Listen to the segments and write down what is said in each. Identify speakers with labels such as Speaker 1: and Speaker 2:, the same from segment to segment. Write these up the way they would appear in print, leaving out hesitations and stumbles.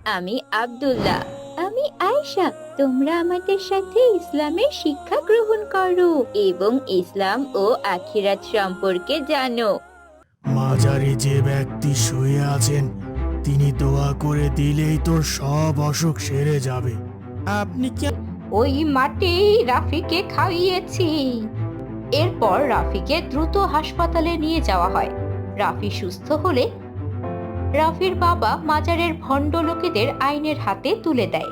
Speaker 1: আমি আব্দুল্লাহ। আমি আয়েশা। তোমরা আমাদের সাথে ইসলামের শিক্ষা গ্রহণ করো এবং ইসলাম ও আখিরাত সম্পর্কে জানো।
Speaker 2: মাজারে যে ব্যক্তি শুয়ে আছেন তিনি দোয়া করে দিলেই তোর সব অসুখ সেরে যাবে। আপনি কি
Speaker 1: ওই মাটি রাফিকে খাইয়েছি। এরপর রাফিকে দ্রুত হাসপাতালে নিয়ে যাওয়া হয়। রাফি সুস্থ হলে রাফির বাবা মাজারের ভণ্ড লোকেদের আইনের হাতে তুলে দেয়।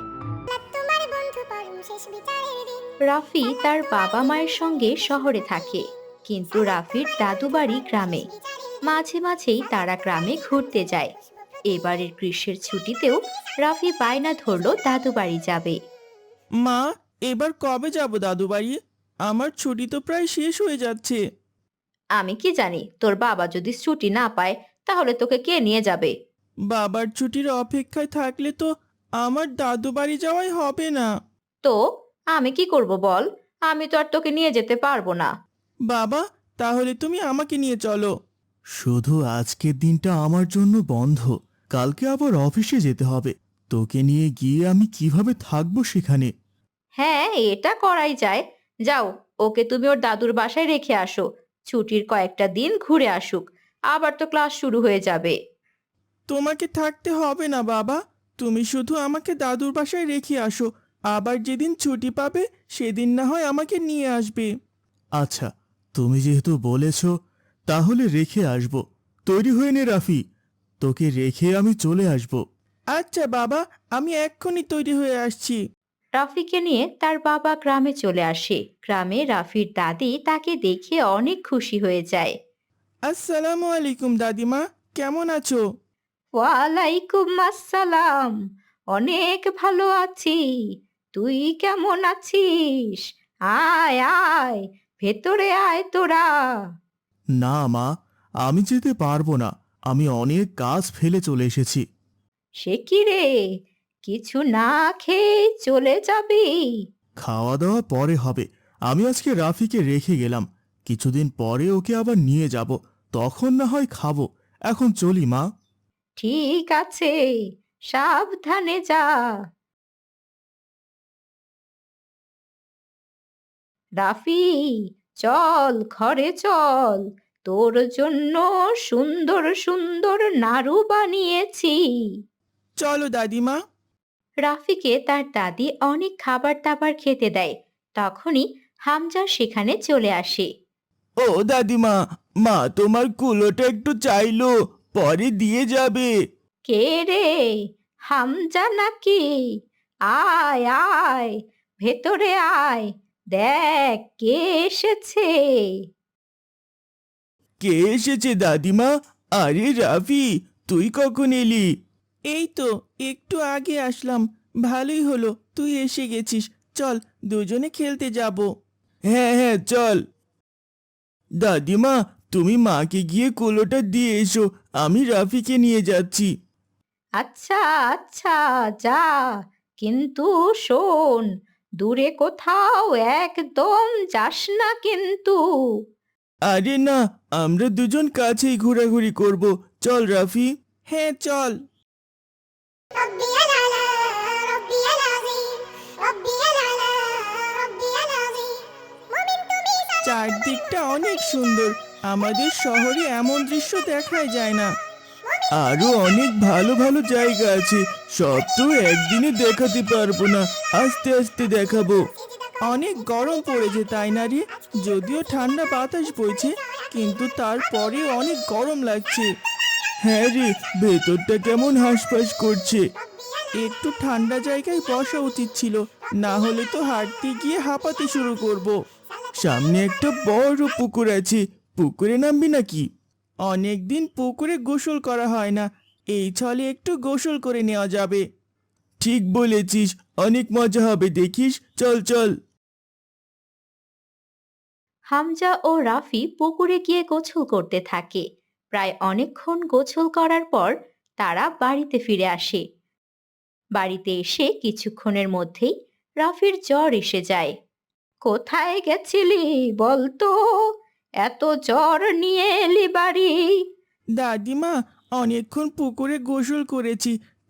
Speaker 1: রাফি তার বাবা মায়ের সঙ্গে শহরে থাকে, কিন্তু রাফির দাদু বাড়ি গ্রামে। মাঝে মাঝেই তারা গ্রামে ঘুরতে যায়। এবারের গ্রীষ্মের ছুটিতেও রাফি বায়না ধরলো দাদু বাড়ি যাবে।
Speaker 2: মা, এবার কবে যাব দাদু বাড়ি? আমার ছুটি তো প্রায় শেষ হয়ে যাচ্ছে।
Speaker 1: আমি কি জানি, তোর বাবা যদি ছুটি না পায় তাহলে তোকে কে নিয়ে যাবে?
Speaker 2: বাবার ছুটির অপেক্ষায় থাকলে তো আমার দাদু বাড়ি যাওয়াই হবে না।
Speaker 1: তো আমি কি করব বল? আমি তো আর তোকে নিয়ে যেতে পারবো না।
Speaker 2: বাবা, তাহলে তুমি আমাকে নিয়ে চলো। শুধু আজকের দিনটা আমার জন্য বন্ধ, কালকে আবার অফিসে যেতে হবে। তোকে নিয়ে গিয়ে আমি কিভাবে থাকবো সেখানে?
Speaker 1: হ্যাঁ, এটা করাই যায়। যাও, ওকে তুমি ওর দাদুর বাসায় রেখে আসো। ছুটির কয়েকটা দিন ঘুরে আসুক, আবার তো ক্লাস শুরু হয়ে যাবে।
Speaker 2: তোমাকে থাকতে হবে না বাবা, তুমি শুধু আমাকে দাদুর বাসায় রেখে আসো। আবার যেদিন ছুটি পাবে সেদিন না হয় আমাকে নিয়ে আসবে। আচ্ছা, তুমি যেহেতু বলেছো তাহলে রেখে আসব। তৈরি হয়ে নে রাফি, তোকে রেখে আমি চলে আসব। আচ্ছা বাবা, আমি এক্ষুনি তৈরি হয়ে আসছি।
Speaker 1: রাফিকে নিয়ে তার বাবা গ্রামে চলে আসে। গ্রামে রাফির দাদি তাকে দেখে অনেক খুশি হয়ে যায়।
Speaker 2: আসসালামু আলাইকুম দাদিমা, কেমন আছো?
Speaker 1: ওয়ালাইকুম আসসালাম। অনেক ভালো আছি। তুই কেমন আছিস? আয় আয়, ভেতরে আয় তোরা।
Speaker 2: না মা, আমি যেতে পারবো না। আমি অনেক কাজ ফেলে চলে এসেছি।
Speaker 1: সে কি রে, কিছু না খেয়ে চলে যাবি?
Speaker 2: খাওয়া দাওয়া পরে হবে। আমি আজকে রাফিকে রেখে গেলাম, কিছুদিন পরে ওকে আবার নিয়ে যাব, তখন না হয় খাবো। এখন চলি মা।
Speaker 1: ঠিক আছে, সাবধানে যা। রাফি, চল ঘরে চল। তোর জন্য সুন্দর সুন্দর নাড়ু বানিয়েছি।
Speaker 2: চলো দাদিমা।
Speaker 1: রাফিকে তার দাদি অনেক খাবার দাবার খেতে দেয়। তখনই হামজা সেখানে চলে আসে।
Speaker 2: ও দাদিমা, মা তোমার কুলোটা একটু চাইলো, পরে দিয়ে যাবে।
Speaker 1: কে রে, হামজা নাকি? আয় আয়, ভেতরে আয়, দেখ কে এসেছে।
Speaker 2: কে এসেছে দাদিমা? আরে রাফি, তুই কখন এলি? এই তো একটু আগে আসলাম। ভালোই হলো তুই এসে গেছিস। চল, দুজনে খেলতে যাব। হ্যাঁ হ্যাঁ চল। দাদিমা, তুমি মাকে গিয়ে কুলোটা দিয়ে এসো, আমি রাফিকে নিয়ে যাচ্ছি।
Speaker 1: আচ্ছা আচ্ছা, যা, কিন্তু শোন, দূরে কোথাও একদম যাস না কিন্তু।
Speaker 2: আরে না, আমরা দুজন কাছেই ঘোরাঘুরি করব। চল রাফি। হ্যাঁ চল।
Speaker 3: ربي العلا ربي العظيم ربي العلا ربي العظيم مؤمن তুমি
Speaker 2: চারদিকটা অনেক সুন্দর, আমাদের শহরে এমন দৃশ্য দেখাই যায় না। আরো অনেক ভালো ভালো জায়গা আছে, সব তো একদিনে দেখাতে পারবো না, আস্তে আস্তে দেখাবো। অনেক গরম পড়েছে তাই না রে? যদিও ঠান্ডা বাতাস বইছে, কিন্তু তারপরে অনেক গরম লাগছে। হ্যাঁ রে, ভেতরটা কেমন হাঁসফাঁস করছে। একটু ঠান্ডা জায়গায় বসা উচিত ছিল, না হলে তো হাঁটতে গিয়ে হাঁপাতে শুরু করব। সামনে একটা বড় পুকুর আছে, পুকুরে নামবি নাকি? অনেকদিন পুকুরে গোসল করা হয় না, এই ছলে একটু গোসল করে নেওয়া যাবে। ঠিক বলেছিস, অনেক মজা হবে দেখিস, চল চল।
Speaker 1: হামজা ও রাফি পুকুরে গিয়ে গোসল করতে থাকে। প্রায় অনেকক্ষণ গোসল করার পর তারা বাড়িতে ফিরে আসে। বাড়িতে এসে কিছুক্ষণের মধ্যেই রাফির জ্বর এসে যায়। কোথায় গেছিলি বলতো? এত জ্বর নিয়ে এলি বাড়ি?
Speaker 2: দাদিমা, অনেকক্ষণ পুকুরে গোসল করেছি,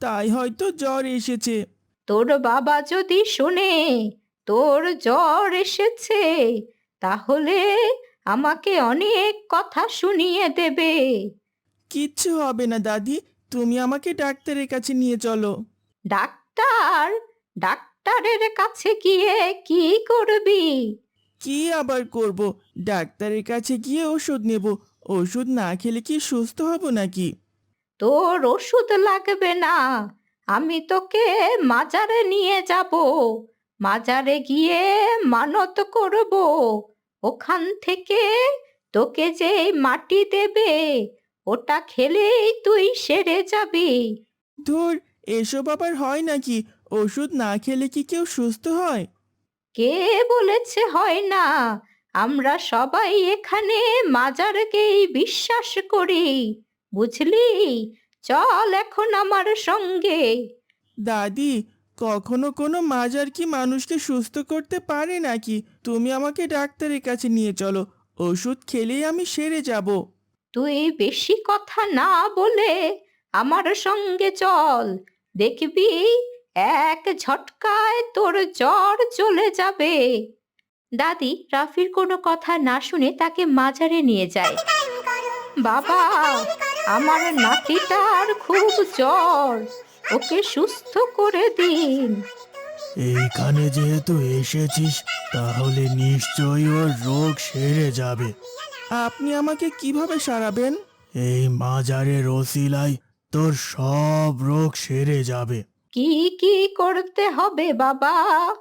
Speaker 2: তাই হয়তো জ্বর এসেছে।
Speaker 1: তোর বাবা যদি শুনে তোর জ্বর এসেছে, তাহলে আমাকে অনেক কথা শুনিয়ে দেবে।
Speaker 2: কিচ্ছু হবে না দাদি, তুমি আমাকে ডাক্তারের কাছে নিয়ে চলো।
Speaker 1: ডাক্তার? ডাক্তারের কাছে গিয়ে কি করবি?
Speaker 2: কি আবার করব? ডাক্তারের কাছে গিয়ে ওষুধ নেব। ওষুধ না খেলে কি সুস্থ হব নাকি?
Speaker 1: তোর ওষুধ লাগবে না, আমি তোকে মাজারে নিয়ে যাব। মাজারে গিয়ে মানত করব, ওখান থেকে তোকে যে মাটি দেবে ওটা খেলেই তুই সেরে যাবি।
Speaker 2: ধুর, এসব আবার হয় নাকি? ওষুধ না খেলে কি কেউ সুস্থ হয়?
Speaker 1: কে বলেছে হয় না? আমরা সবাই এখানে মাজারকেই বিশ্বাস করি, বুঝলি? চল এখন আমার সঙ্গে।
Speaker 2: দাদি, কখনো কোনো মাজার কি মানুষকে সুস্থ করতে পারে নাকি? তুমি আমাকে ডাক্তারের কাছে নিয়ে চলো, ওষুধ খেলেই আমি সেরে যাব।
Speaker 1: তুই বেশি কথা না বলে আমার সঙ্গে চল, দেখবি এক ঝটকায় তোর জ্বর চলে যাবে। দাদি রাফির কোনো কথা না শুনে তাকে মাজারে নিয়ে যায়। বাবা, আমার নাতিটার খুব জ্বর, ওকে সুস্থ করে দিন।
Speaker 2: এইখানে যেহেতু এসেছিস, তাহলে নিশ্চয়ই ওর রোগ সেরে যাবে। আপনি আমাকে কিভাবে সারাবেন? এই মাজারের ওসিলায় তোর সব রোগ সেরে যাবে।
Speaker 1: কি কি করতে হবে বাবা?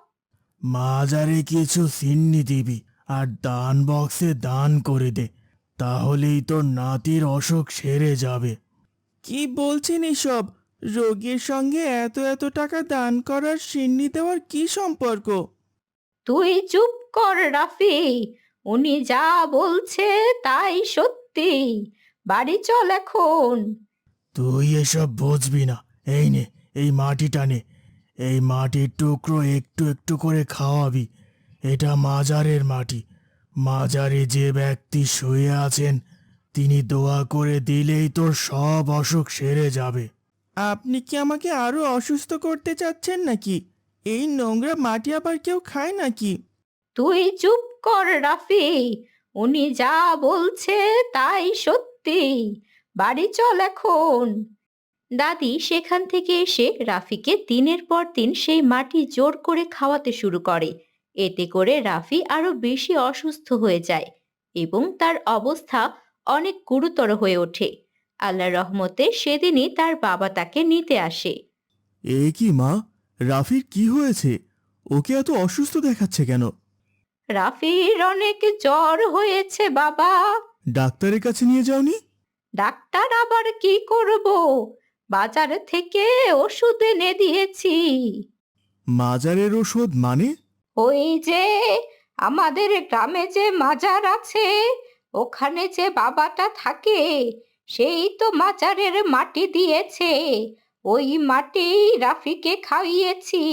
Speaker 2: মাজারে কিছু সিন্নি দিবি আর দান বক্সে দান করে দে, তাহলেই তোর নাতির অসুখ সেরে যাবে। কি বলছেন এসব? রোগীর সঙ্গে এত এত টাকা দান করার সিন্নি দেওয়ার কি সম্পর্ক?
Speaker 1: তুই চুপ কর রাফি, উনি যা বলছে তাই সত্যি। বাড়ি চল এখন।
Speaker 2: তুই এসব বুঝবি না। এই নে, এই মাটিটা নে। এই মাটির টুকরো একটু একটু করে খাওয়াবি। এটা মাজারের মাটি। মাজারে যে ব্যক্তি শুয়ে আছেন, তিনি দোয়া করে দিলেই তোর সব অসুখ সেরে যাবে। আপনি কি আমাকে আরো অসুস্থ করতে চাচ্ছেন নাকি? এই নোংরা মাটি আবার কেউ খায় নাকি?
Speaker 1: তুই চুপ কর রাফি, উনি যা বলছে তাই সত্যি। বাড়ি চল এখন। দাদি সেখান থেকে এসে রাফিকে দিনের পর দিন সেই মাটি জোর করে খাওয়াতে শুরু করে। এতে করে রাফি আরো বেশি অসুস্থ হয়ে যায় এবং তার অবস্থা অনেক গুরুতর হয়ে ওঠে। আল্লাহর রহমতে সেদিনই তার বাবা তাকে নিতে আসে।
Speaker 2: এ কি মা, রাফির কি হয়েছে? ওকে এত অসুস্থ দেখাচ্ছে কেন?
Speaker 1: রাফির অনেক জ্বর হয়েছে বাবা।
Speaker 2: ডাক্তারের কাছে নিয়ে যাওনি?
Speaker 1: ডাক্তার আবার কি করব, বাজার থেকে ওষুধ এনে দিয়েছি।
Speaker 2: মাজারের ওষুধ মানে?
Speaker 1: ওই যে আমাদের গ্রামে যে মাজার আছে, ওখানে যে বাবাটা থাকে, সেই তো মাজারের মাটি দিয়েছে। ওই মাটি রাফিকে খাইয়েছি।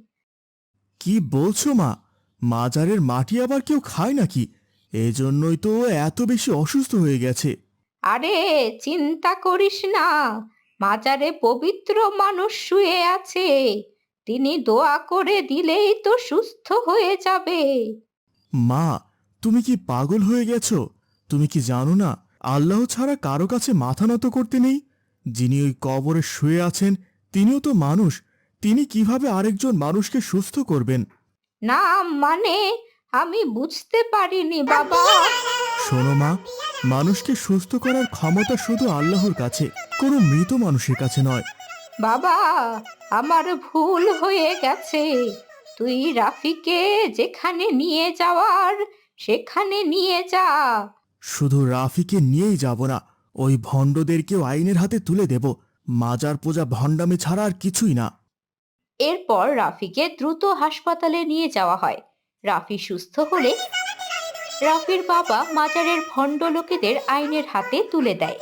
Speaker 2: কি বলছো মা? মাজারের মাটি আবার কেউ খায় নাকি? এজন্যই তো ও এত বেশি অসুস্থ হয়ে গেছে।
Speaker 1: আরে চিন্তা করিস না, মাজারে পবিত্র মানুষ শুয়ে আছে, তিনি দোয়া করে দিলেই তো সুস্থ হয়ে যাবে।
Speaker 2: মা, তুমি কি পাগল হয়ে গেছো? তুমি কি জানো না, আল্লাহ ছাড়া কারো কাছে মাথা নত করতে নেই? যিনি ওই কবরে শুয়ে আছেন, তিনিও তো মানুষ। তিনি কিভাবে আরেকজন মানুষকে সুস্থ করবেন?
Speaker 1: না মানে, আমি বুঝতে পারিনি বাবা।
Speaker 2: শোনো মা, মানুষকে সুস্থ করার ক্ষমতা শুধু আল্লাহর কাছে, কোনো মৃত মানুষের কাছে নয়।
Speaker 1: বাবা, আমার ভুল হয়ে গেছে। তুই রাফিকে যেখানে নিয়ে যাওয়ার সেখানে নিয়ে যা।
Speaker 2: শুধু রাফিকে নিয়েই যাব না, ওই ভণ্ডদেরকেও আইনের হাতে তুলে দেব। মাজার পূজা ভণ্ডামি ছাড়া আর কিছুই না।
Speaker 1: এরপর রাফিকে দ্রুত হাসপাতালে নিয়ে যাওয়া হয়। রাফি সুস্থ হলে রাফির বাবা মাজারের ভণ্ড লোকেদের আইনের হাতে তুলে দেয়।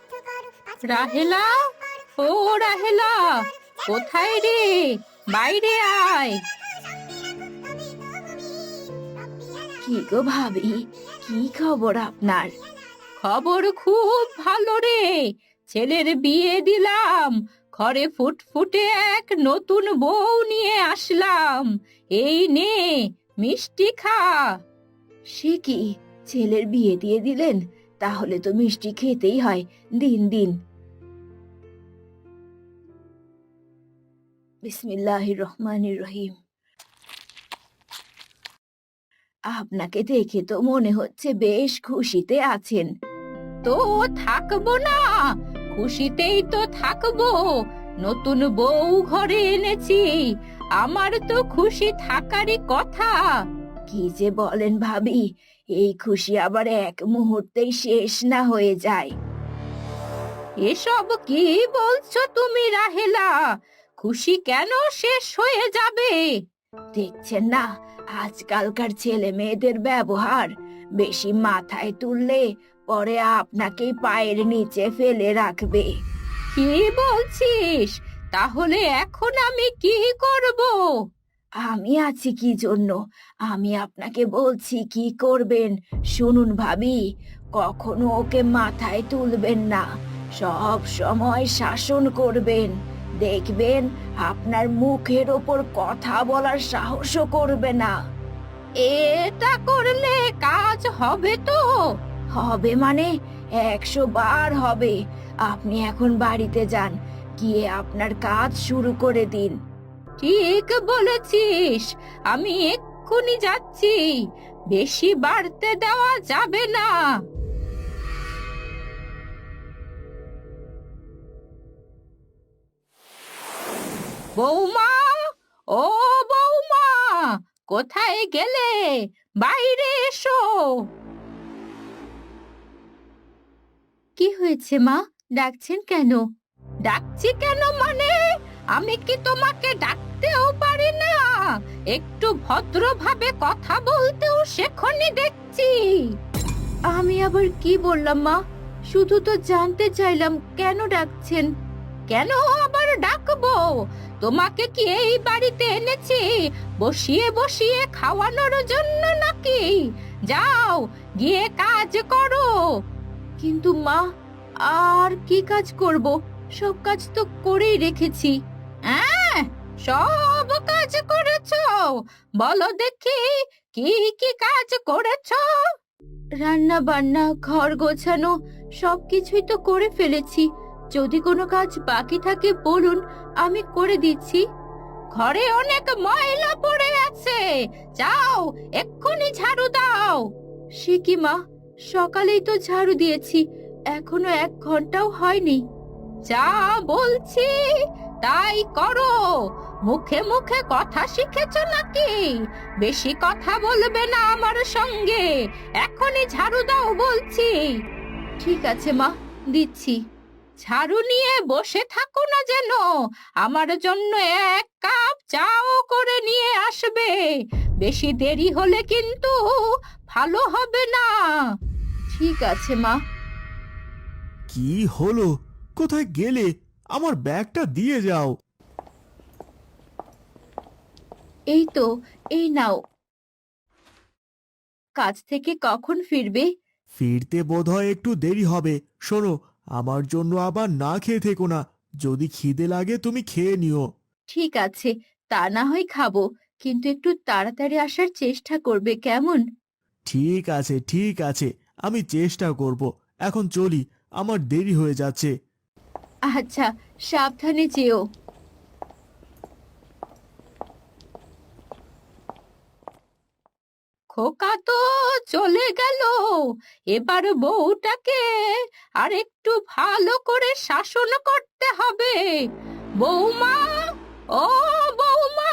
Speaker 1: রাহেলা, ও রাহেলা, কোথায় রে? বাইরে আয়। কি গো ভাবি, কি খবর আপনার? খবর খুব ভালো রে, ছেলের বিয়ে দিলাম, ঘরে ফুটফুটে এক নতুন বউ নিয়ে আসলাম, এই নে মিষ্টি খা। সে কি, ছেলের বিয়ে দিয়ে দিলেন? তাহলে তো মিষ্টি খেতেই হয়, দিন দিন। বিসমিল্লাহির রহমানির রহিম। আপনাকে দেখে তো মনে হচ্ছে বেশ খুশিতে আছেন। তো থাকবো না, খুশিতেই তো থাকবো। নতুন বউ ঘরে এনেছি, আমার তো খুশি থাকারই কথা। কি যে বলেন ভাবি, এই খুশি আবার এক মুহূর্তেই শেষ না হয়ে যায়। এসব কি বলছো তুমি রাহেলা? খুশি কেন শেষ হয়ে যাবে? দেখছেন না আজকালকার ছেলে মেয়েদের ব্যবহার, বেশি মাথায় তুললে পরে আপনাকেই পায়ের নিচে ফেলে রাখবে। কি বলছিস? তাহলে এখন আমি কি করব? আমি আছি কি জন্য? আমি আপনাকে বলছি কি করবেন শুনুন ভাবি। কখনো ওকে মাথায় তুলবেন না, সব সময় শাসন করবেন। দেখবেন আপনার মুখের ওপর কথা বলার সাহসও করবে না। এটা করলে কাজ হবে তো? হবে মানে 100 বার হবে। আপনি এখন বাড়িতে যান, গিয়ে আপনার কাজ শুরু করে দিন। ঠিক বলেছিস, আমি এক্ষুনি যাচ্ছি। বেশি বাড়তে দেওয়া যাবে না। বৌমা, ও বৌমা, কোথায় গেলে? বাইরে এসো। কি হয়েছে মা, ডাকছেন কেন? ডাকছি কেন মানে, আমি কি তোমাকে ডাকতেও পারি না? একটু ভদ্রভাবে কথা বলতেও শেখনি দেখছি। আমি আবার কি বললাম মা? শুধু তো জানতে চাইলাম কেন ডাকছেন। কেন আবার ডাকবো? তোমাকে কি এই বাড়িতে এনেছি বসিয়ে বসিয়ে খাওয়ানোর জন্য নাকি? যাও গিয়ে কাজ করো। কিন্তু মা, আর কি কাজ করব? সব কাজ তো করেই রেখেছি। হ্যাঁ, সব কাজ করেছো? বলো দেখি কি কি কাজ করেছো? রান্না বান্না, ঘর গোছানো সবকিছুই তো করে ফেলেছি। যদি কোনো কাজ বাকি থাকে বলুন, আমি করে দিচ্ছি। ঘরে অনেক ময়লা পড়ে আছে, যাও এক্ষুনি ঝাড়ু দাও। সে কি মা, সকালেই তো ঝাড়ু দিয়েছি, এখনো 1 ঘন্টাও হয়নি। যা বলছি তাই করো। মুখে মুখে কথা শিখেছো নাকি? বেশি কথা বলবে না আমার সঙ্গে, এখনই ঝাড়ু দাও বলছি। ঠিক আছে মা, দিচ্ছি। ঝাড়ু নিয়ে বসে থাকো না যেন, আমার জন্য 1 কাপ চাও করে নিয়ে আসবে। বেশি দেরি হলে কিন্তু ভালো হবে না। ঠিক আছে মা।
Speaker 2: কি হলো? কোথায় গেলে? আমার ব্যাগটা দিয়ে যাও।
Speaker 1: এই তো, এই নাও। কাজ থেকে কখন ফিরবে?
Speaker 2: ফিরতে বোধহয় একটু দেরি হবে। শোনো, আমার জন্য আবার না খেয়ে থেকো না। যদি খিদে লাগে তুমি খেয়ে নিও।
Speaker 1: ঠিক আছে, তা না হয় খাবো, কিন্তু একটু তাড়াতাড়ি আসার চেষ্টা করবে কেমন?
Speaker 2: ঠিক আছে ঠিক আছে, আমি চেষ্টা করব। এখন চলি, আমার দেরি হয়ে যাচ্ছে।
Speaker 1: আচ্ছা, সাবধানে যেও। খোকা তো চলে গেল, এবার বউটাকে আর একটু ভালো করে শাসন করতে হবে। বৌমা, ও বৌমা।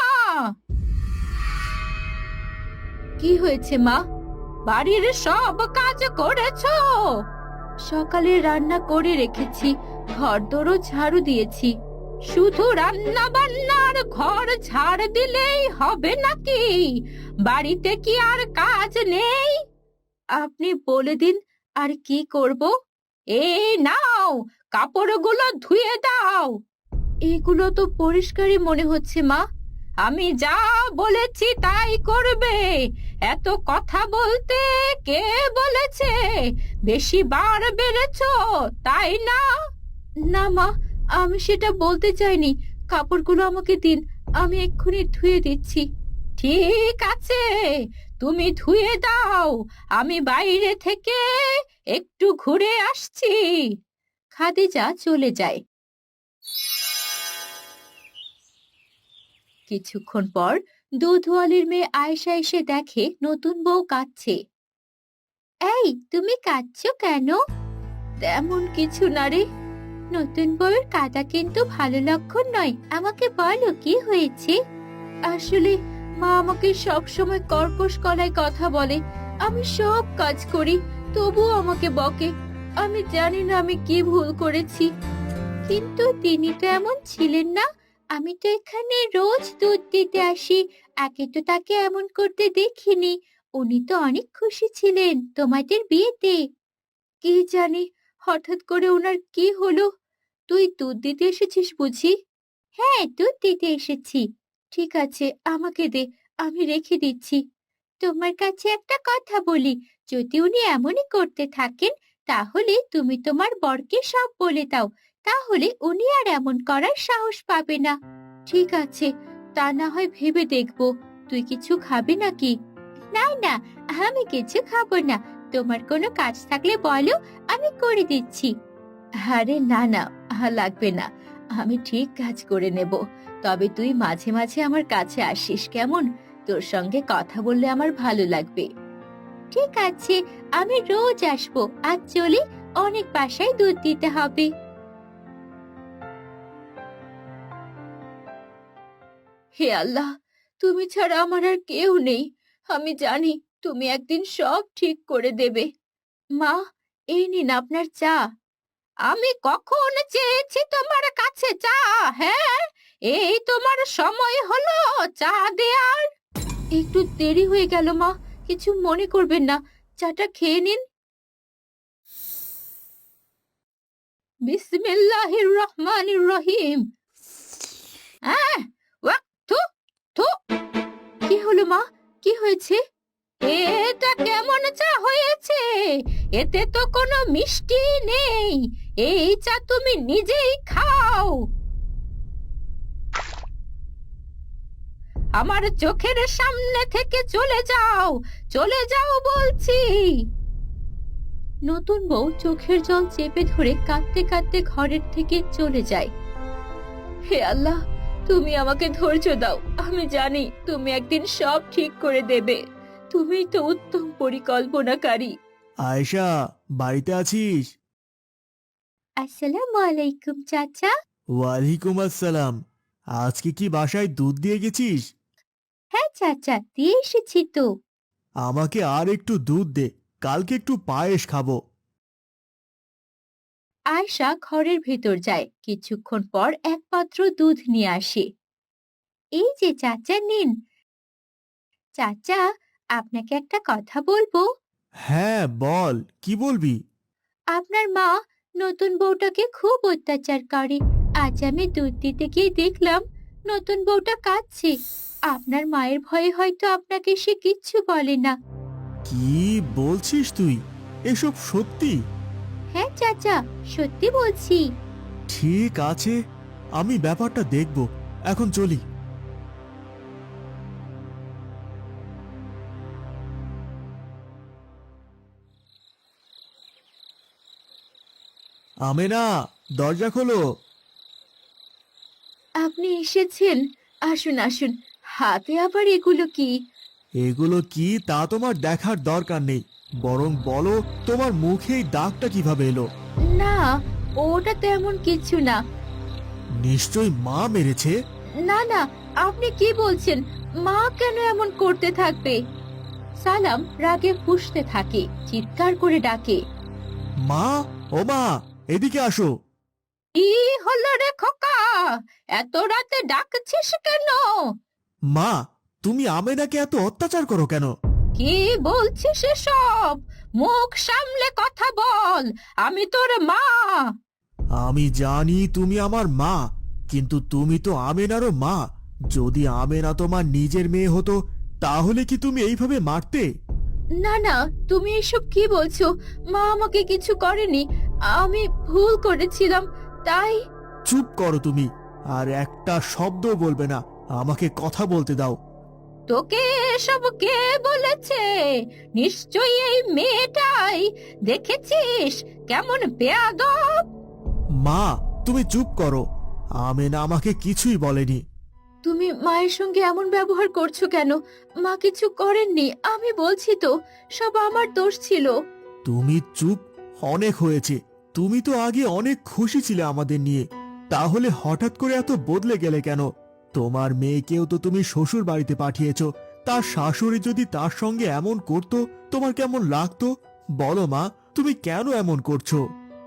Speaker 1: কি হয়েছে মা? বাড়ির সব কাজ করেছো? সকালে রান্না করে রেখেছি, ঘরদোরও ঝাড়ু দিয়েছি। শুধু রান্না বান্নার ঘর ঝাড় দিলেই হবে নাকি? বাড়িতে কি আর কাজ নেই? আপনি বলে দিন আর কি করব। এই নাও, কাপড়গুলো ধুয়ে দাও। এগুলো তো পরিষ্কারই মনে হচ্ছে মা। আমি যা বলেছি তাই করবে। এত কথা বলতে কে বলেছে? বেশি বার বেড়েছো তাই না? না মা, আমি সেটা বলতে চাইনি। কাপড়গুলো আমাকে দিন, আমি এক্ষুনি ধুয়ে দিচ্ছি। ঠিক আছে, তুমি ধুয়ে দাও, আমি বাইরে থেকে একটু ঘুরে আসছি। খাদিজা চলে যায়। কিছুক্ষণ পর দুধওয়ালির মেয়ে আয়েশা এসে দেখে নতুন বউ কাঁদছে। এই, তুমি কাঁদছো কেন? তেমন কিছু না রে। নতুন বউয়ের কাঁদা কিন্তু ভালো লক্ষণ নয়। আমাকে বলো কি হয়েছে? আসলে মা আমাকে সব সময় কর্কশ গলায় কথা বলে। আমি সব কাজ করি, তবুও আমাকে বকে। আমি জানি না আমি কি ভুল করেছি। কিন্তু তিনি তো এমন ছিলেন না। আমি তো এখানে রোজ দুধ দিতে আসি, আগে তো তাকে এমন করতে দেখিনি। উনি তো অনেক খুশি ছিলেন তোমাদের বিয়েতে। কি জানি হঠাৎ করে ওনার কি হলো। তুই দুধ দিতে এসেছিস বুঝি? হ্যাঁ, দুধ দিতে এসেছি। ঠিক আছে, আমাকে দে, আমি রেখে দিচ্ছি। তোমার কাছে একটা কথা বলি, যদি উনি এমনই করতে থাকেন, তাহলে তুমি তোমার বরকে সব বলে দাও। তাহলে উনি আর এমন করার সাহস পাবে না। ঠিক আছে, তা না হয় ভেবে দেখবো। তুই কিছু খাবি নাকি? না না, আমি কিছু খাবো না। তোমার কোনো কাজ থাকলে বলো, আমি করে দিচ্ছি। আরে না না, লাগবে না। আমি ঠিক কাজ করে নেব। তবে তুই মাঝে মাঝে আমার কাছে আসিস কেমন? তোর সঙ্গে কথা বললে আমার ভালো লাগবে। ঠিক আছে, আমি রোজ আসবো। আজ চলি, অনেক বাসায় দুধ দিতে হবে। হে আল্লাহ, তুমি ছাড়া আমার আর কেউ নেই। আমি জানি তুমি একদিন সব ঠিক করে দেবে। মা, এই নিন আপনার চা। আমি কখন চেয়েছি তোমার কাছে চা? হ্যাঁ, এই তোমার সময় হলো চা দেয়ার? একটু দেরি হয়ে গেল মা, কিছু মনে করবেন না। চাটা খেয়ে নিন। বিসমিল্লাহির রহমানির রহিম। আহ, ওয়াক, থু থু। কি হলো মা, কি হয়েছে? এটা কেমন চা হয়েছে? এতে তো কোনো মিষ্টি নেই। এই চা তুমি নিজেই খাও। আমার চোখের সামনে থেকে চলে যাও, চলে যাও বলছি। নতুন বউ চোখের জল চেপে ধরে কাঁদতে কাঁদতে ঘরের থেকে চলে যায়। হে আল্লাহ, তুমি আমাকে ধৈর্য দাও। আমি জানি তুমি একদিন সব ঠিক করে দেবে। তুমিই তো উত্তম পরিকল্পনাকারী।
Speaker 2: আয়েশা, বাড়িতে আছিস?
Speaker 1: আসসালামু আলাইকুম চাচা।
Speaker 2: ওয়ালাইকুম আসসালাম। আজকে কি বাসায় দুধ দিয়ে গেছিস?
Speaker 1: হ্যাঁ চাচা, দিয়ে এসেছি তো।
Speaker 2: আমাকে আর একটু দুধ দে, কালকে একটু পায়েস খাবো।
Speaker 1: আয়শা ঘরের ভেতর যায়। কিছুক্ষণ পর এক পাত্র দুধ নিয়ে আসে। এই যে চাচা, নিন। চাচা, আপনাকে একটা কথা বলবো।
Speaker 2: হ্যাঁ বল, কি বলবি?
Speaker 1: আপনার মা নতুন বউটাকে খুব অত্যাচার করে। আজ আমি দুধ দিতে গিয়ে দেখলাম নতুন বউটা কাঁদছে। আপনার মায়ের ভয়ে হয়তো আপনাকে সে কিচ্ছু বলে না।
Speaker 2: কি বলছিস তুই? এসব সত্যি?
Speaker 1: হ্যাঁ চাচা, সত্যি বলছি।
Speaker 2: ঠিক আছে, আমি ব্যাপারটা দেখব। এখন চলি। আমেনা, দরজা খোলো।
Speaker 1: আপনি এসেছেন? আসুন আসুন। হাতে আবার এগুলো কি?
Speaker 2: এগুলো কি তা তোমার দেখার দরকার নেই, বরং বলো তোমার মুখে এই দাগটা কিভাবে এলো?
Speaker 1: না, ওটা তেমন কিছু না।
Speaker 2: নিশ্চয়ই মা মেরেছে।
Speaker 1: না না, আপনি কি বলছেন? মা কেন এমন করতে থাকবে? সালাম রাগে ফুঁসতে থাকে, চিৎকার করে ডাকে।
Speaker 2: মা, ও মা, এদিকে আসো।
Speaker 1: কি হলো রে খোকা? এত রাতে ডাকছিস কেন?
Speaker 2: মা, তুমি আমেনাকে এত অত্যাচার করো কেন?
Speaker 1: কি বলছিস এসব? মুখ সামলে কথা বল। আমি তোর মা।
Speaker 2: আমি জানি তুমি আমার মা, কিন্তু তুমি তো আমেনারও মা। যদি আমেনা তোমার নিজের মেয়ে হতো, তাহলে কি তুমি এইভাবে মারতে?
Speaker 1: না না, তুমি এসব কি বলছো? মা আমাকে কিছু করেনি। আমি ভুল করেছিলাম, তাই।
Speaker 2: চুপ করো তুমি, আর একটা শব্দ বলবে না, আমাকে কথা বলতে দাও।
Speaker 1: তোকে এসব কে বলেছে? নিশ্চয়ই এই মেয়েটাই। দেখেছিস কেমন বেয়াদব।
Speaker 2: মা, তুমি চুপ করো, আমেনা আমাকে কিছুই বলেনি।
Speaker 1: তুমি মায়ের সঙ্গে এমন ব্যবহার করছো কেন? মা কিছু করেননি, আমি বলছি তো, সব আমার দোষ ছিল।
Speaker 2: তুমি চুপ, অনেক হয়েছে। তুমি তো আগে অনেক খুশি ছিলে আমাদের নিয়ে, তাহলে হঠাৎ করে এত বদলে গেলে কেন? তোমার মেয়েকেও তো তুমি শ্বশুর বাড়িতে পাঠিয়েছো, তার শাশুড়ি যদি তার সঙ্গে এমন করতো তোমার কেমন লাগতো? বলো মা, তুমি কেন এমন করছো?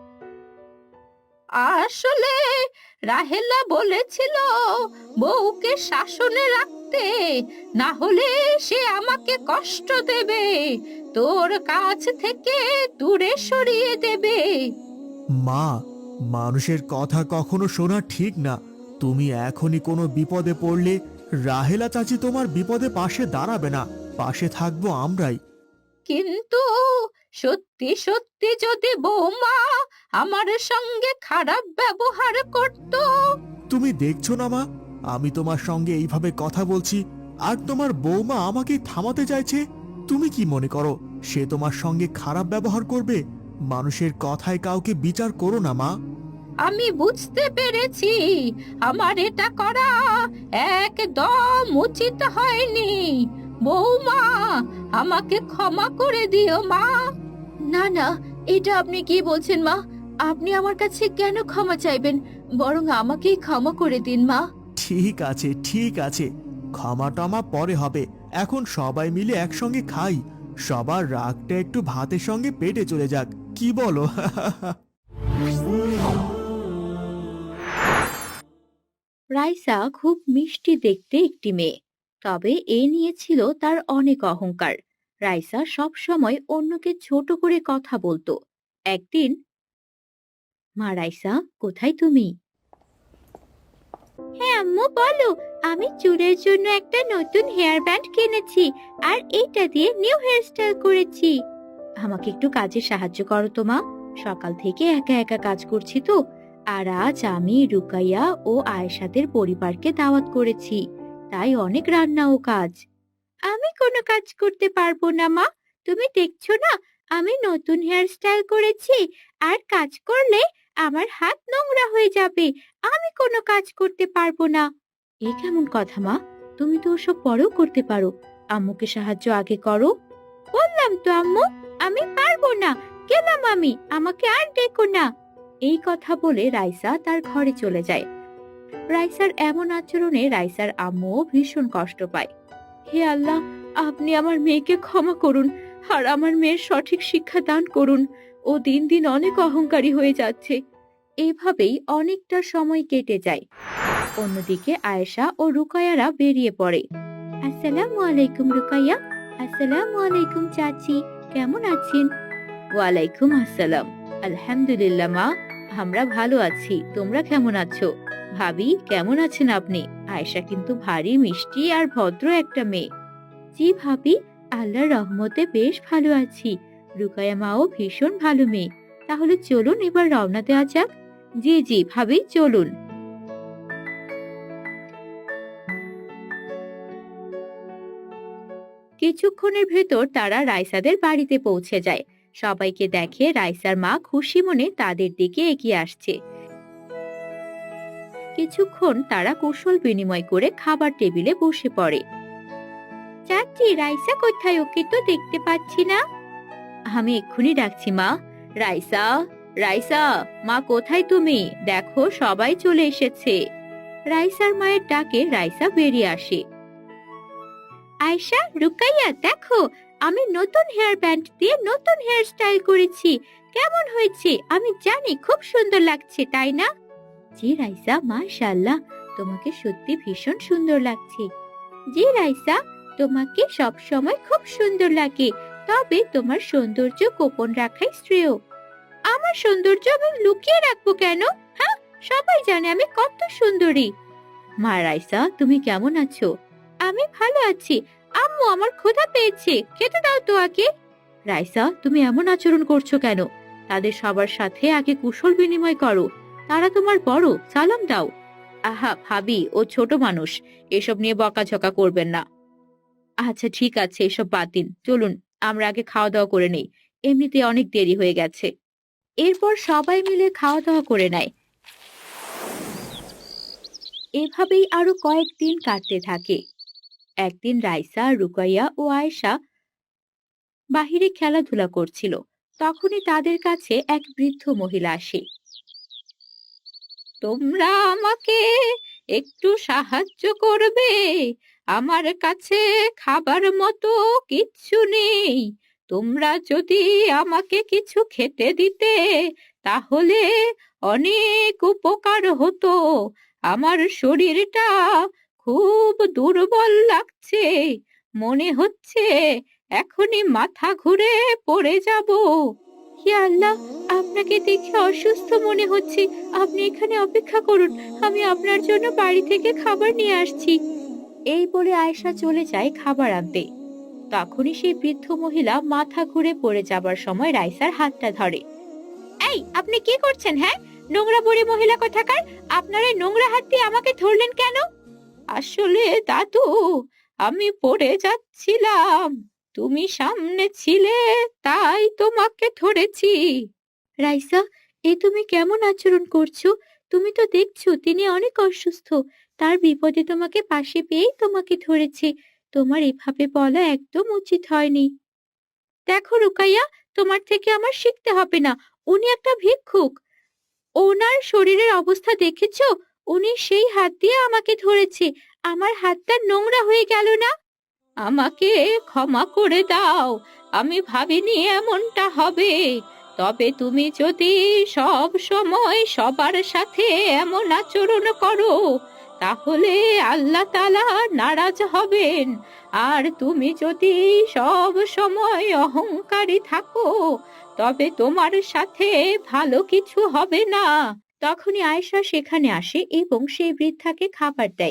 Speaker 1: আসলে রাহেলা বলেছিল বউকে শাসনে রাখতে, না হলে সে আমাকে কষ্ট দেবে, তোর কাছ থেকে দূরে সরিয়ে দেবে।
Speaker 2: মা, মানুষের কথা কখনো শোনা ঠিক না। তুমি এখনই কোনো বিপদে পড়লে রাহেলা চাচি তোমার বিপদে পাশে দাঁড়াবে না, পাশে থাকবো আমরাই।
Speaker 1: কিন্তু সত্যি সত্যি যদি বৌমা আমার সঙ্গে খারাপ ব্যবহার করত।
Speaker 2: তুমি দেখছো না মা, আমি তোমার সঙ্গে এইভাবে কথা বলছি, আর তোমার বৌমা আমাকে থামাতে চাইছে। তুমি কি মনে করো সে তোমার সঙ্গে খারাপ ব্যবহার করবে? মানুষের কথায় কাউকে বিচার করো না মা।
Speaker 1: আমি বুঝতে পেরেছি আমার এটা করা একদম উচিত হয়নি। বৌমা, আমাকে ক্ষমা করে দিও মা। না না, এটা আপনি কি বলছেন মা? আপনি আমার কাছে কেন ক্ষমা চাইবেন? বরং আমাকেই ক্ষমা করে দিন মা।
Speaker 2: ঠিক আছে, ঠিক আছে, ক্ষমা টমা পরে হবে। এখন সবাই মিলে একসঙ্গে খাই, সবার রাগটা একটু ভাতের সঙ্গে পেটে চলে যাক, কি বলো?
Speaker 1: রাইসা খুব মিষ্টি দেখতে একটি মেয়ে, তবে এ নিয়ে ছিল তার অনেক অহংকার। রাইসা সব সময় অন্যকে ছোট করে কথা বলতো। একদিন, মা রাইসা, কোথায় তুমি? হ্যাঁ আম্মু, বলো। আমি চুলের জন্য একটা নতুন হেয়ার ব্যান্ড কিনেছি, আর এইটা দিয়ে নিউ হেয়ারস্টাইল করেছি। আমাকে একটু কাজে সাহায্য করো তো মা, সকাল থেকে একা একা কাজ করছি তো। আর আজ আমি রুকাইয়া ও আয়েশাদের পরিবারকে দাওয়াত করেছি, তাই অনেক রান্না ও কাজ। আমি কোনো কাজ করতে পারবো না মা, তুমি দেখছো না আমি নতুন হেয়ারস্টাইল করেছি, আর কাজ করলে আমার হাত নোংরা হয়ে যাবে, আমি কোনো কাজ করতে পারবো না। এ কেমন কথা মা? তুমি তো ওসব পরেও করতে পারো, আম্মুকে সাহায্য আগে করো। বললাম তো আম্মু, আমি পারবো না, গেলাম আমি, আমাকে আর ডেকো না। এই কথা বলে রাইসা তার ঘরে চলে যায়। রাইসার এমন আচরণে রাইসার আম্মুও ভীষণ কষ্ট পায়। হে আল্লাহ, আপনি আমার মেয়েকে ক্ষমা করুন, আর আমার মেয়ের সঠিক শিক্ষা দান করুন। ও দিন দিন অনেক অহংকারী হয়ে যাচ্ছে। এইভাবেই অনেকটা সময় কেটে যায়। অন্যদিকে আয়েশা ও রুকায়ারা বেরিয়ে পড়ে। আসসালামু আলাইকুম রুকাইয়া। আসসালামু আলাইকুম চাচি, কেমন আছেন? ওয়ালাইকুম আসসালাম। আলহামদুলিল্লাহ মা, আমরা ভালো আছি, তোমরা কেমন আছো? ভাবি, কেমন আছেন আপনি? আয়েশা কিন্তু ভারী মিষ্টি আর ভদ্র একটা মেয়ে। জি ভাবি, আল্লাহর রহমতে বেশ ভালো আছি। রুকায়া মাও ভীষণ ভালো মেয়ে। তাহলে চলুন এবার রওনা দেওয়া যাক। জি জি ভাবি, চলুন। কিছুক্ষণের ভেতর তারা রাইসাদের বাড়িতে পৌঁছে যায়। সবাইকে দেখে রাইসার মা খুশি মনে তাদের দিকে এগিয়ে আসছে। কিছুক্ষণ তারা কুশল বিনিময় করে খাবার টেবিলে বসে পড়ে। চাচি, রাইসা কোথায়? ওকে তো দেখতে পাচ্ছি না। আমি এক্ষুনি ডাকছি মা। রাইসা, রাইসা, মা কোথায় তুমি? দেখো সবাই চলে এসেছে। রাইসার মায়ের ডাকে রাইসা বেরিয়ে আসে। আয়েশা, রুকাইয়া, দেখো আমি নতুন হেয়ার ব্যান্ড দিয়ে নতুন হেয়ার স্টাইল করেছি, কেমন হয়েছে? আমি জানি খুব সুন্দর লাগছে, তাই না? জি রাইসা, মাশাআল্লাহ, তোমাকে সত্যি ভীষণ সুন্দর লাগছে। জি রাইসা, তোমাকে সব সময় খুব সুন্দর লাগে, তবে তোমার সৌন্দর্য গোপন রাখাই শ্রেয়। আমার সৌন্দর্য আমি লুকিয়ে রাখবো কেন? হ্যাঁ, সবাই জানে আমি কত সুন্দরী। মা রাইসা, তুমি কেমন আছো? আমি ভালো আছি আম্মু, আমার ক্ষুধা পেয়েছে, খেতে দাও তো আগে। রাইসা, তুমি এমন আচরণ করছো কেন? তাদের সবার সাথে আগে কুশল বিনিময় করো, তারা তোমার বড়, সালাম দাও। আহা ভাবি, ও ছোট মানুষ, এসব নিয়ে বকাঝকা করবেন না। আচ্ছা ঠিক আছে, এসব বাদ দিন, চলুন আমরা আগে খাওয়া দাওয়া করে নেই, এমনিতে অনেক দেরি হয়ে গেছে। এরপর সবাই মিলে খাওয়া দাওয়া করে নেয়। এভাবেই আরো কয়েকদিন কাটতে থাকে। একদিন রাইসা, রুকাইয়া ও আয়েশা বাহিরে খেলাধুলা করছিল। তখনই তাদের কাছে এক বৃদ্ধ মহিলা আসে। তোমরা আমাকে একটু সাহায্য করবে? আমার কাছে খাবার মতো কিচ্ছু নেই। তোমরা যদি আমাকে কিছু খেতে দিতে তাহলে অনেক উপকার হতো। আমার শরীরটা খুব দুর্বল লাগছে, মনে হচ্ছে এখনই মাথা ঘুরে পড়ে যাব। হে আল্লাহ, আপনাকে দেখে অসুস্থ মনে হচ্ছে, আপনি এখানে অপেক্ষা করুন, আমি আপনার জন্য বাড়ি থেকে খাবার নিয়ে আসছি। এই বলে আয়েশা চলে যায় খাবার আনতে। তখনই সেই বৃদ্ধ মহিলা মাথা ঘুরে পড়ে যাবার সময় রাইসার হাতটা ধরে। এই, আপনি কি করছেন? হ্যাঁ, নোংরা বুড়ি মহিলা কোথাকার, আপনার এই নোংরা হাত দিয়ে আমাকে ধরলেন কেন? আসলে দাদু, আমি পড়ে যাচ্ছিলাম, তুমি সামনে ছিলে তাই তোমাকে ধরেছি। রাইসা, এ তুমি কেমন আচরণ করছো? তুমি তো দেখছো তিনি অনেক অসুস্থ, তার বিপদে তোমাকে পাশে পেয়েই তোমাকে ধরেছে। তোমার এভাবে বলা একদম উচিত হয়নি। দেখো রুকাইয়া, তোমার থেকে আমার শিখতে হবে না, উনি একটা ভিক্ষুক। ওনার শরীরের অবস্থা দেখেছো? উনি সেই হাত দিয়ে আমাকে ধরেছে, আমার হাতটা নোংরা হয়ে গেল না? আমাকে ক্ষমা করে দাও, আমি ভাবিনি এমনটা হবে। তবে তুমি যদি সব সময় সবার সাথে এমন আচরণ করো তাহলে আল্লাহ তাআলা নারাজ হবেন। আর তুমি যদি সব সময় অহংকারী থাকো তবে তোমার সাথে ভালো কিছু হবে না। তখনই আয়েশা সেখানে আসে এবং সেই বৃদ্ধাকে খাবার দেয়।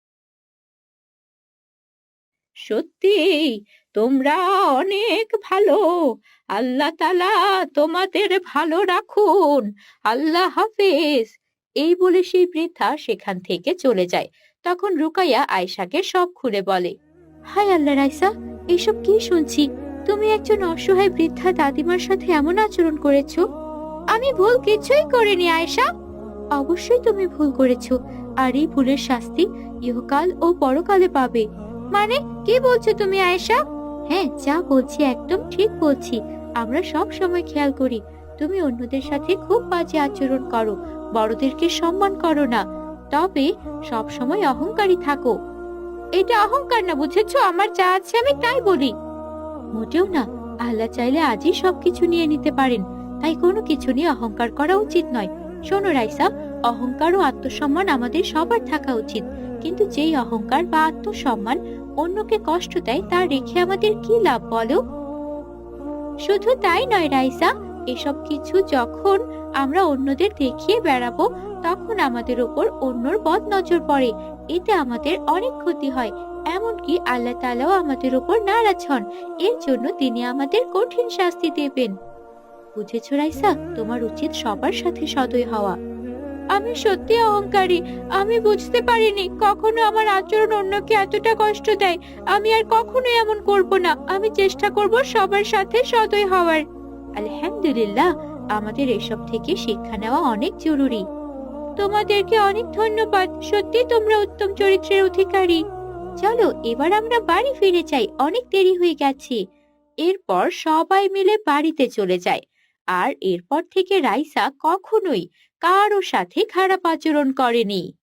Speaker 1: সত্যি তোমরা অনেক ভালো, আল্লাহ তাআলা তোমাদের ভালো রাখুন, আল্লাহ হাফেজ। এই বলে সেই বৃদ্ধা সেখান থেকে চলে যায়। তখন রুকাইয়া আয়েশাকে সব খুলে বলে। হায় আল্লাহ রাইসা, এসব কি শুনছি? তুমি একজন অসহায় বৃদ্ধা দাদিমার সাথে এমন আচরণ করেছো। আমি ভুল কিছুই করিনি আয়েশা। অবশ্যই তুমি ভুল করেছো, আর এই ভুলের শাস্তি ইহকাল ও পরকালে পাবে। মানে কি বলছো তুমি আয়েশা? হ্যাঁ, যা বলছি একদম ঠিক বলছি। আমরা সব সময় খেয়াল করি তুমি অন্যদের সাথে খুব বাজে আচরণ করো, বড়দেরকে সম্মান করো না, তবে সব সময় অহংকারী থাকো। এটা অহংকার না, বুঝেছো? আমার যা আছে আমি তাই বলি। মোটেও না, আল্লাহ চাইলে আজই সবকিছু নিয়ে নিতে পারেন, তাই কোনো কিছু নিয়ে অহংকার করা উচিত নয়। শোনো রাইসা, অহংকার ও আত্মসম্মান আমাদের সবার থাকা উচিত, কিন্তু যেই অহংকার বা আত্মসম্মান অন্যকে কষ্ট দেয় তা রেখে আমাদের কি লাভ বলো? শুধু তাই নয় রাইসা, এসব কিছু যখন আমরা অন্যদের দেখিয়ে বেড়াবো তখন আমাদের উপর অন্যর বদ নজর পড়ে, এতে আমাদের অনেক ক্ষতি হয়। এমনকি আল্লাহ তাআলাও আমাদের উপর নারাজ হন, এর জন্য তিনি আমাদের কঠিন শাস্তি দেবেন। বুঝেছো রাইসা, তোমার উচিত সবার সাথে সদয় হওয়া। আমি সত্যি অহংকারী, আমি বুঝতে পারিনি কখনো আমার আচরণ অন্যকে এতটা কষ্ট দেয়। আমি আর কখনো এমন করব না, আমি চেষ্টা করব সবার সাথে সদয় হওয়ার। আলহামদুলিল্লাহ, আমাদের এসব থেকে শিক্ষা নেওয়া অনেক জরুরি। তোমাদেরকে অনেক ধন্যবাদ, সত্যি তোমরা উত্তম চরিত্রের অধিকারী। চলো এবার আমরা বাড়ি ফিরে যাই, অনেক দেরি হয়ে গেছে। এরপর সবাই মিলে বাড়িতে চলে যায়। আর এরপর থেকে রাইসা কখনোই কারো সাথে খারাপ আচরণ করেনি।